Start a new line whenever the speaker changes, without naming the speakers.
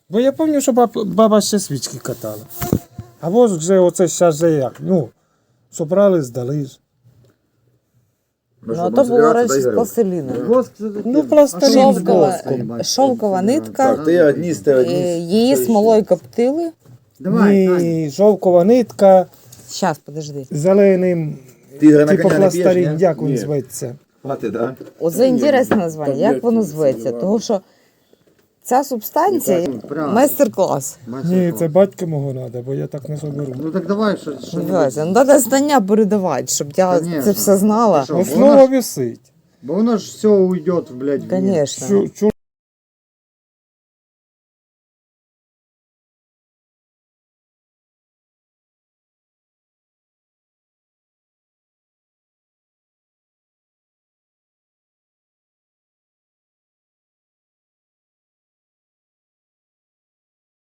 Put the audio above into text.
Бо я пам'ятаю, що баба ще свічки катала. А воск вже оце зараз же як. Ну, собрали, здали ж.
Ну, а то було раніше з пластиліну.
Ну, пластилін з
Шовкова,
воском.
шовкова нитка,
Так, ти одні з
її смолою коптили.
Ні, шовкова нитка,
Щас, подожди.
зеленим,
Тигра на
типу
коня не п'єш,
пластарін,
ні?
як він
Ні.
зветься.
Хватить, да?
Оце інтересне названня, як воно зветься. Тому що ця субстанція майстер-клас.
Ні, це батька мого треба, бо я так не соберу.
Ну так давай, що
Називається. Ну, треба знання передавати, щоб я
Конечно.
це все знала.
Що,
Основа висить.
Бо воно ж все уйде, блядь, в ніс.
Звісно.
Чур